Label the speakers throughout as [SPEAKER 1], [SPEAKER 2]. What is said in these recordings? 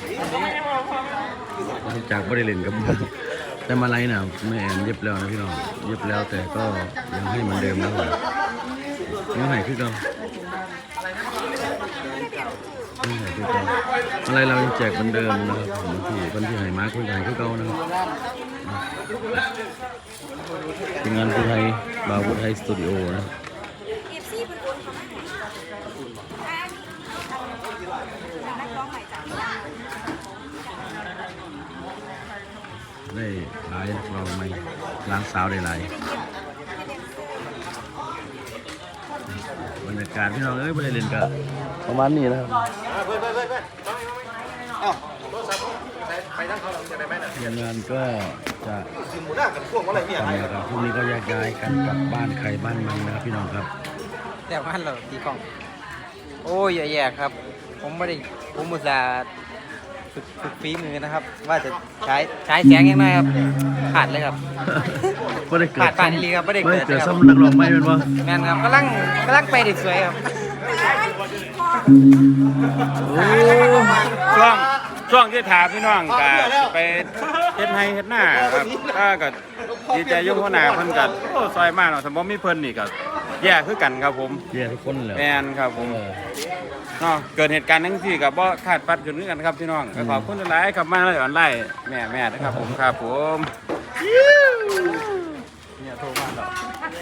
[SPEAKER 1] จากบริเลนกับแต่มาไลน์น่ะแม่แอนเย็บแล้วนะพี่น้องเย็บแล้วแต่ก็ยังให้เหมือนเดิมนะยังให้คือเก่ายังให้คือเก่าอะไรเรายังแจกเหมือนเดิมนะครับวันที่ให้มาคุยกันคือเก่านะครับทีมงานผู้ไทยบาวผู้ไทยสตูดิโอนะได้หลายเราไม่ล้างสาวได้หลายบรรยากาศพี่น้องไม่ได้เล่นกันประมาณนี้นะครับทีมงานก็จะทำนะครับพรุ่งนี้ก็แยกย้ายกันกลับบ้านใครบ้านมันนะครับพี่น้องครับ
[SPEAKER 2] แต่บ้านเราตีกล่องโอ้ยแย่ๆครับผมอุตส่าห์ฝึกฝีมือนะครับว่าจะใช้แสงยังไงครับขาดเลยครับขาดนี่ครับไม่ได้เกิด
[SPEAKER 1] ซ้ำนักร้องไม่เป็นวะ
[SPEAKER 2] แม่นครับกำลังไปได้สวยครับ
[SPEAKER 3] ช่วงที่ถามพี่น้องก็ไปเฮ็ดให้เฮ็ดหน้าครับก็ดีใจยุ่งหัวหน้าเพิ่นก็ซอยมากเนาะสมมุติมีเพิ่นนี่ก็แย่คือกันครับผม
[SPEAKER 1] แย่ทุกคนเลย
[SPEAKER 3] แม่นครับผมเนาะเกิดเหตุการณ์ทั้งที่กับบ่คาดฝันขึ้นกันครับพี่น้องขอบคุณหลายๆครับมาเลยออนไลน์แม่นะครับผมครับผมเนี่ยโทรมาแล้ว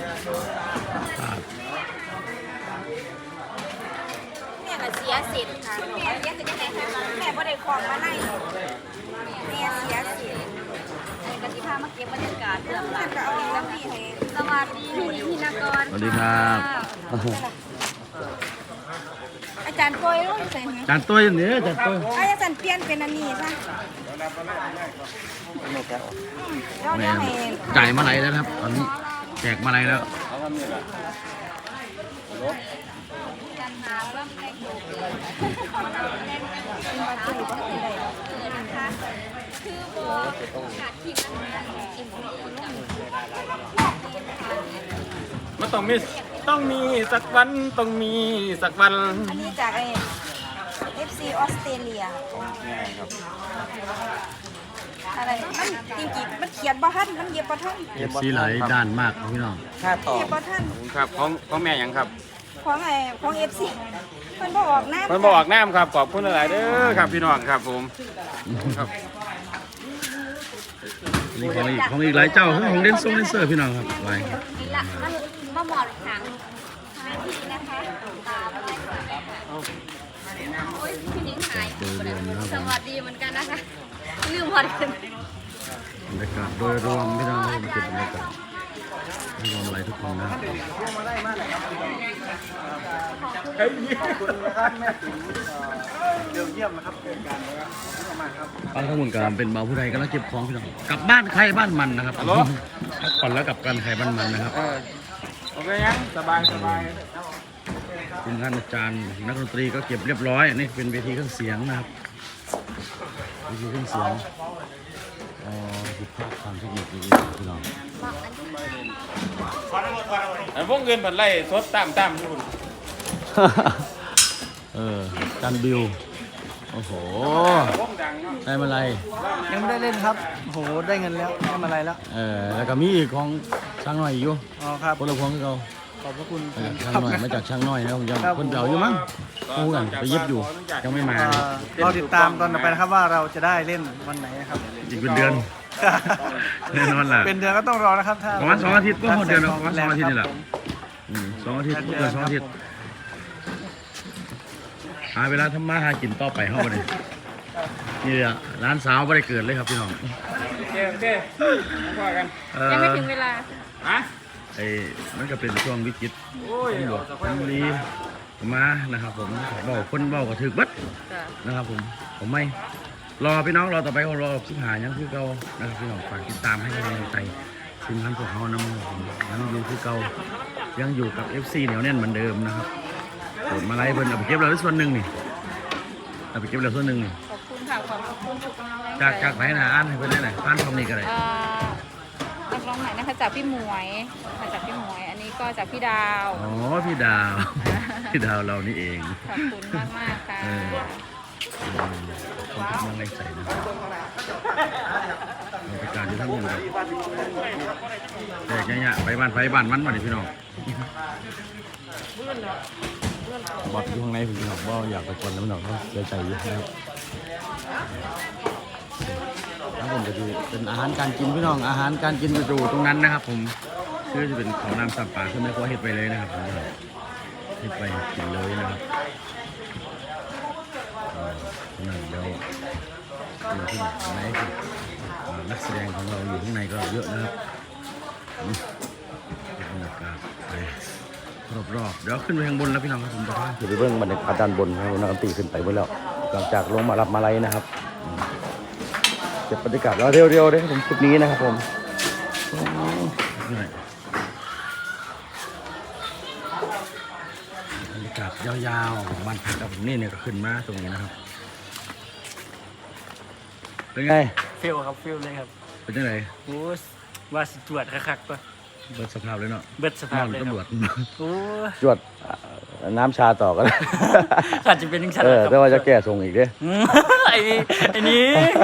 [SPEAKER 4] แม่ก็เสียสิทธิ์ค่ะแม่เสียสิทธิ์ยังไงคะแม่บ่ได้ของมาให้แม่เสียสิทธิ์กติภามาเก็บบรรยากาศเรื่องหลังก็เอาแล้วพี่ให้สวัสดีพี่นกร
[SPEAKER 1] สวัสดีครับ
[SPEAKER 4] อาจารย์โปรยรู้ใส่ไหม
[SPEAKER 1] จานตัวอย่างนี้จานตัว
[SPEAKER 4] อาจารย์เปลี่ยนเป็นอันนี้ใช่
[SPEAKER 1] แม่จ่ายมาไหนแล้วครับตอนนี้แจกมาไหนแล้ว
[SPEAKER 3] มันต้องมีสักวันต้องมีสักวัน
[SPEAKER 4] อันนี้จากFC ออสเตรเลียอะไรมันจริงๆมันเขียนบ่ทันมันเย็บบ่ทัน
[SPEAKER 1] FC หลายด้านมากพี่น้อง
[SPEAKER 2] ค่าต่อ
[SPEAKER 4] เย็บบ่ทัน
[SPEAKER 3] ครับของแม่ยังครับ
[SPEAKER 4] ของ FC เพิ่นบ่ออกน้ำ
[SPEAKER 3] ครับขอบคุณหลายๆเด้อครับพี่น้องครับผมครับ
[SPEAKER 1] นี่ของอีกหลายเจ้าของเดนเซอร์พี่น้องครับไว้
[SPEAKER 4] นี่ละมันบ่หมอดถังพี่นะคะโอ้ยพี่นิ้งหายสวัสดีเหมือนกันนะคะลืมพอดี
[SPEAKER 1] บรรยากาศโดยรวมพี่น้องเก็บบรรยากาศให้รวมอะไรทุกคนนะ
[SPEAKER 2] ขอบคุณนะครับแม่ติ๋มเยี่ยมนะครับเป็นการ
[SPEAKER 1] ป้าทั้งหมดการเป็นเบาผู้ใดก็แล้วเก็บของพี่น้องกลับบ้านใครบ้านมันนะครับพักผ่อนแล้วกลับกันใครบ้านมันนะครับ
[SPEAKER 3] โอเคยังสบาย
[SPEAKER 1] ทีมงานอาจารย์นักดนตรีก็เก็บเรียบร้อยนี่เป็นเวทีเครื่องเสียงนะครับเวทีเครื่องเสียงผิดพลาดความเทคนิคพี่น้อง
[SPEAKER 3] พวกเงินผันไล่สดตามอยู่
[SPEAKER 1] จันบิวโอ้โหได้มาอะไร
[SPEAKER 2] ยังไม่ได้เล่นครับโอ้โหได้เงินแล้วได้มาอะไรแล้ว
[SPEAKER 1] แล้วก็มีอีกของช่างหน่อยอยู่
[SPEAKER 2] ครับ
[SPEAKER 1] คนละพวงคือเขา
[SPEAKER 2] ขอบพระคุณ
[SPEAKER 1] ช่างหน่อยมาจากช่างหน่อยนะผมยังคนเก่าอยู่มั้งคู่กันไปเย็บอยู่ยังไม่มา
[SPEAKER 2] เราติดตามตอนต่อไปนะครับว่าเราจะได้เล่นวันไหนครับ
[SPEAKER 1] อีกเป็นเดือนแน่นอนแหละ
[SPEAKER 2] เป็นเดือนก็ต้องรอนะครับถ้า
[SPEAKER 1] ประมาณ2 อาทิตย์ก็หมดเดือนแล้วประมาณ2 อาทิตย์นี่แหละ2 อาทิตย์เกิน2 อาทิตย์หาเวลาทำมาหากินต่อไปเข้าไปเลยนี่แหละร้านสาวไม่ได้เกิดเลยครับพี่น้อง
[SPEAKER 3] โอเคว่ากัน
[SPEAKER 4] ยังไม่ถึงเวลา
[SPEAKER 1] มันก็เป็นช่วงวิกฤตตำรวจตำรีมานะครับผมบอกคนบอกก็ถึกบัดนะครับผมไม่รอพี่น้องรอต่อไปก็รอสิงหายังคือเก่านะครับพี่น้องฝากติดตามให้กำลังใจทีมงานพวกเขานะยังอยู่คือเก่ายังอยู่กับ FC เหนียวแน่นเหมือนเดิมนะครับโดดมาไล่เพิ่นเอาไปเก็บเราได้ส่วนหนึ่งนี่เอาไปเก็บเราส่วนหนึ่งนี่
[SPEAKER 4] ขอบคุณค่ะขอบคุณทุกกำลังใจ
[SPEAKER 1] จากไหนนะอ่านให้เพิ่นได้ไหนอ่านคำนี้ก็ได้
[SPEAKER 4] นักร้องไหนนะคะจากพี่หมวยอันนี้ก็จากพี่ดาว
[SPEAKER 1] พี่ดาวเรานี่เอง
[SPEAKER 4] ขอบคุณมากค่ะ
[SPEAKER 1] คนที่เมืองไรใส่นะบรรยากาศอยู่ทั้งหมดเลยแยกเนี่ยไปบ้านไฟบ้านมันมาดิพี่น้องบอดอยู่ข้างในพี่น้องว่าอยากไปคนแล้วพี่น้องเขาเสียใจอยู่นะครับแล้วผมจะดูเป็นอาหารการกินพี่น้องอาหารการกินอยู่ตรงนั้นนะครับผมคือจะเป็นเขาน้ำสับปลาคือไม่ควรเห็ดไปเลยนะครับผมเห็ดไปกินเลยนะครับนั่นเดี๋ยวอยู่ที่ไหนคือนักแสดงของเราอยู่ข้างในก็เยอะนะครับบรรยากาศไปรอบๆเดี๋ยวขึ้นไปข้างบนแล้วพี่น้องครับผมจะพาไปเบื้องบรรยากาศด้านบนครับนักดนตรีขึ้นไปหมดแล้วหลังจากลงมารับมาลัยนะครับเก็บบรรยากาศแล้วเร็วๆเลยผมจุดนี้นะครับผมบรรยากาศยาวๆของบ้านพักครับผมนี่เนี่ยก็ขึ้นมาตรงนี้นะครับเป็นไง
[SPEAKER 5] ฟิลครับฟิลเลยครับ
[SPEAKER 1] เป็นยังไง
[SPEAKER 5] โอ้ว่าสิตรวจคักๆปะ
[SPEAKER 1] เบิดสภาพเลยเนาะ
[SPEAKER 5] เบิดสภาพเลยค
[SPEAKER 1] ตำรว
[SPEAKER 5] รั
[SPEAKER 1] จ
[SPEAKER 5] บโอ้
[SPEAKER 1] จวดน้ำชาต่อกัน
[SPEAKER 5] อาจจะเป็นยังฉัน
[SPEAKER 1] แต่ว่าจะแก้ทรงอีกเด้
[SPEAKER 5] ไอ้นี้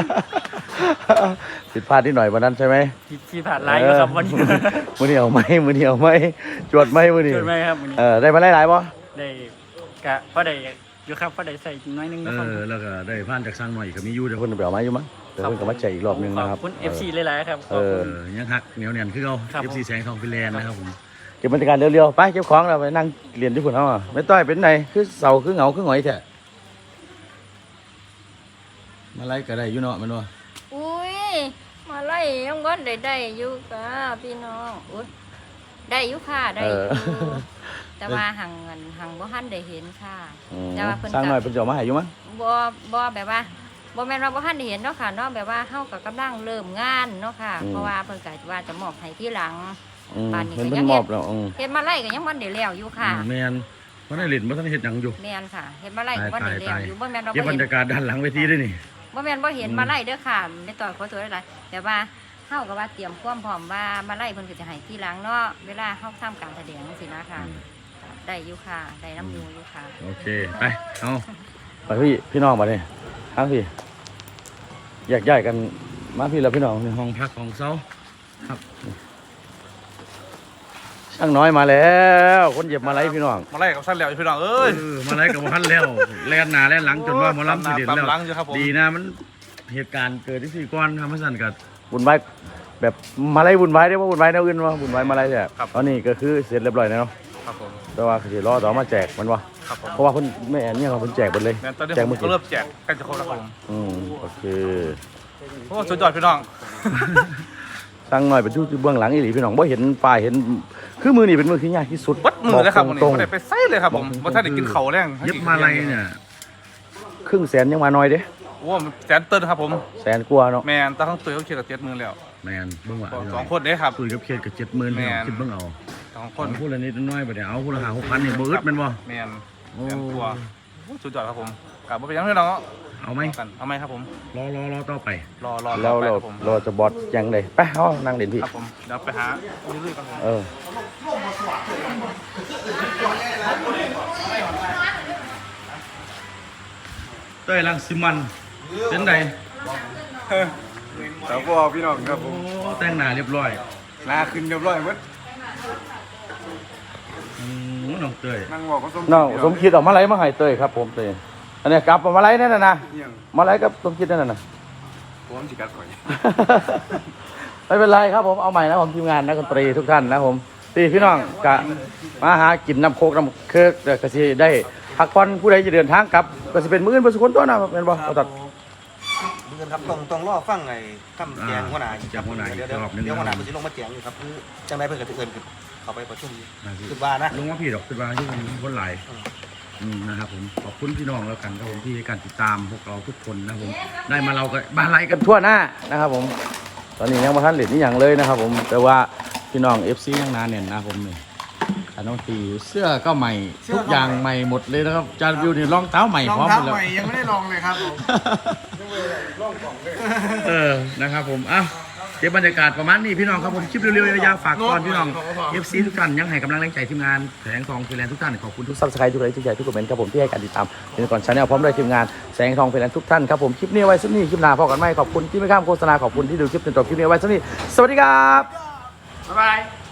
[SPEAKER 1] ผิดพลาดนิดหน่อยวันนั้นใช่ไหม
[SPEAKER 5] ที่ผ่านไลน์ก็ครับวันนี้
[SPEAKER 1] มือเหนียวไหมมือเหนียวไหมจวดไหมมือเหนีย
[SPEAKER 5] เกิ
[SPEAKER 1] ว
[SPEAKER 5] ดไหมครับวันนี้
[SPEAKER 1] ได้มาหลายๆป่ะ
[SPEAKER 5] ได้กะพอได้อยู่ครับพอได้ใส่น้อยนึงนะครับ
[SPEAKER 1] แล้วก็ได้ผ่านจากสร้างหน่อยก็มีอยู่เดี๋ยวคนไปเอาไม้อยู่มั้งเดี๋ยวคนก็มาแจกอีกรอบนึง
[SPEAKER 5] ขอ
[SPEAKER 1] นะครับ
[SPEAKER 5] บคุณ FC หลายๆครับขอบคุณ
[SPEAKER 1] ยังหักเหนียวเนียนคือเรา
[SPEAKER 5] ครับ
[SPEAKER 1] FC แสงทองฟินแลนด์นะครับผมเก็บบรรยากาศเร็วๆไปเก็บของเราไปนั่งเรียนที่ฝุ่นเขาอ่ะไม่ต้อยเป็นไงคือเสาคือเหงาคือหงอยแท้มาไล่ก็ได้อยู่เนาะมันว่า
[SPEAKER 6] อุ้ยมาไล่ยังบ่ได้อยู่กะพี่น้องอุ้ยได้อยู่ค่ะได้อยู่แต่ว่าหังเงินหังบ่ทันได้เห็นค่ะแต่ว่าเพิ่น
[SPEAKER 1] สร้างหน่อย
[SPEAKER 6] ก็
[SPEAKER 1] เพิ่นจะเอามาให้อยู่มั้ง
[SPEAKER 6] บ่แบบว่าบ่แม่นว่าบ่ทันได้เห็นเนาะค่ะเนาะแบบว่าเฮาก็กำลังเริ่มงานเนาะค่ะ เพราะว่าเพิ่นก็ว่าจะมอบให้ทีหลัง บ้านนี้
[SPEAKER 1] เพิ่น
[SPEAKER 6] ก็
[SPEAKER 1] เพิ่
[SPEAKER 6] ยั
[SPEAKER 1] น
[SPEAKER 6] ง
[SPEAKER 1] มอบแล้ว
[SPEAKER 6] เฮ็ดมาไล่ก็ยังบ่ได้แล้วอยู่ค่ะ
[SPEAKER 1] แม่นเพราะในหลินบ่ทันเฮ็ดหยังอยู่
[SPEAKER 6] แม่นค่ะเฮ็ดมาไล่ก็บ่ได้แล้วอยู่บ่แม่นว่า
[SPEAKER 1] เก็บบรรยากาศด้านหลังเวทีด้วยนี่
[SPEAKER 6] บ่แม่นบ่เห็นมาไล่เด้อค่ะในตอนขอตัวหลายๆแต่ว่าเฮาก็ว่าเตรียมความพร้อมว่ามาไล่เพิ่นก็จะให้ทีหลังเนาะเวลาเฮาทำการแสดงจังซี่นะค่ะได้อยู่ค่ะได้น้ำอยู่ค่ะ
[SPEAKER 1] โอเคไปเอาไปพี่น้องมาเนี่ยทั้งพี่แยกย้ายกันมาพี่แล้วพี่น้องในห้องพักของเซาครับช่างน้อยมาแล้วคนเหยียบมาไล่พี่น้อง
[SPEAKER 7] มาไล่กับสั้นแล้วพี่น้องเอ้ย
[SPEAKER 1] มาไล่กับพันแล้วแล่นหน้าแล่นหลังจนว่าหมอลำสิเด่นแล้ว
[SPEAKER 7] ตามหลังอยู่ครับผม
[SPEAKER 1] ดีนะมันเหตุการณ์เกิดที่สี่ก้อนทำให้สั่นกับบุญไว้แบบมาไล่บุญไว้ได้ว่าบุญไว้แนวอื่นว่าบุญไว้มาไล่แท้ตอนนี้ก็คือเสร็จเรียบร้อยแล้วเนาะ
[SPEAKER 7] ครับผม
[SPEAKER 1] แต่ว่าคือรอต่อมาแจกมันวะ
[SPEAKER 7] ครับผม
[SPEAKER 1] เพราะว่าเพิ่นไม่แอนเนี่ยเราเพิ่นแจกหมดเลย
[SPEAKER 7] งั้นตอนนี้
[SPEAKER 1] แจก
[SPEAKER 7] ผม
[SPEAKER 1] มือ
[SPEAKER 7] ก็เริ่มแจกใกล้จะครบแล้วครับผม
[SPEAKER 1] โอเค
[SPEAKER 7] โอ้สุดยอดพี่น้อง
[SPEAKER 1] สั่งหน่อยเป็นที่เบื้องหลังอีหลีพี่น้องบ่เห็นฝ่ายเห็นคือมือนี่เป็นมือที่ยากที่สุด
[SPEAKER 7] วัดมือเลยครับวันนี้
[SPEAKER 1] ตรง
[SPEAKER 7] ไม่ได้ไปไส้เลยครับผมว่าท่านได้กินเข่าวแรง
[SPEAKER 1] เย็บมาลัยเนี่ยครึ่งแสนยังมาน้อยเด้
[SPEAKER 7] โอ้แสนเติ้ลครับผม
[SPEAKER 1] แสนกว่าเนาะ
[SPEAKER 7] แมนตาทั้งตัวเขาเชียร์กับ70,000แล้ว
[SPEAKER 1] แมนเบิ่งว่าพี่
[SPEAKER 7] สองคนเด้ครับ
[SPEAKER 1] คุยกับเขตกับ70,000
[SPEAKER 7] แม่น
[SPEAKER 1] คิดเบิ่งเอา
[SPEAKER 7] สองค
[SPEAKER 1] คน นพูดละนิดน้อยบ่ได้เอาพูดละ5-6,000นี่บ่อึดแม่นบ่
[SPEAKER 7] แมน
[SPEAKER 1] โอ้
[SPEAKER 7] แสนตัวโอ้สุดยอดครับผมกลับมาเป็นยังพี่น้อง
[SPEAKER 1] เอาไหม
[SPEAKER 7] กันเอาไหมครับผม
[SPEAKER 1] รอต่อไป
[SPEAKER 7] รอ
[SPEAKER 1] แล้ว
[SPEAKER 7] ไป
[SPEAKER 1] เรา
[SPEAKER 7] ครับผม
[SPEAKER 1] เราจะบอสยังไดไปเฮานั่งเด่นพี่
[SPEAKER 7] ครับผมเดี๋ยวไปหาเรื่อยๆครับผม
[SPEAKER 1] เต้ยรังสิมันเป็นได
[SPEAKER 7] สาวพ่อพี่น้องครับผม
[SPEAKER 1] โอ้แต่งหน้าเรียบร้อย
[SPEAKER 7] ลาขึ้นเรียบร้อยหมด
[SPEAKER 1] น้องเต้ย
[SPEAKER 7] นั่งบอกก็สม
[SPEAKER 1] น้องสมคิดออกมาไล่มาให้เต้ยครับผมเต้ยอันนี้กลับมาไล่นั่นน่ะนะมาไล่กับสมคิดนั่นน่ะ
[SPEAKER 7] ผมจิกัดข่อย
[SPEAKER 1] ไม่เป็นไรครับผมเอาใหม่นะผมทีมงานนักดนตรีทุกท่านนะผมตีพี่น้องกะมาหากินน้ำโคกน้ำเคิร์กเดี๋ยวก็สิได้พักผ่อนผู้ใดจะเดินทางกลับก็สิเป็นมื้ออื่นบ่สุคนตัวนะเป็นบ่เอาตัด
[SPEAKER 2] เพื่อนครับต้องรอฟังไอ้คำแจงหัวหน้า
[SPEAKER 1] แจ้งหัวหน้าอีก
[SPEAKER 2] เดี๋ยว
[SPEAKER 1] รอบหนึ่ง
[SPEAKER 2] หัวหน้าเพิ่นสิลงมาแจงอยู่ครับคือจังไดเพิ่นก็สิเอิ้นขึ้นเข้าไปประชุมคือว่านะ
[SPEAKER 1] ลงว่าพี่ดอกคือว่าที่คนหลายนะครับผมขอบคุณพี่น้องแล้วกันครับผมที่ให้การติดตามพวกเราทุกคนนะครับผมได้มาเราก็มาไล่กันทั่วหน้านะครับผมตอนนี้ยังบ่ทันเล่นนี่หยังเลยนะครับผมแต่ว่าพี่น้อง FC ยังหนาแน่นนะครับผมนี่อันน้องตีเสื้อก็ใหม่ทุกอย่างใหม่หมดเลยนะครับจานวิวนี่รองเท้าใหม่พร้อมหมดแล้ว
[SPEAKER 7] ยังไม่ได้ลองเลยครับผม
[SPEAKER 1] นะครับผมอ่ะโอเคก็บบรรยากาศประมาณนี้พี่น้องครับผมคลิปเร็วๆยาวๆฝากก่อนพี่น้อง FC ทุกท่านยังให้กำลังใจทีมงานแสงทองฟิแลนซ์ทุกท่านขอบคุณทุกซับสไครต์ทุกไลค์ทุกแชร์ทุกคอมเมนต์ครับผมที่ให้การติดตามเดือนก่อนชาแนลพร้อมด้วยทีมงานแสงทองฟิแลนซ์ทุกท่านครับผมคลิปนี้ไว้สักนี้คลิปหน้าพอกันไหมขอบคุณที่ไม่ข้ามโฆษณาขอบคุณที่ดูคลิปจนจบคลิปนี้ไว้สักนี้สวัสดีครับ
[SPEAKER 3] บ๊ายบาย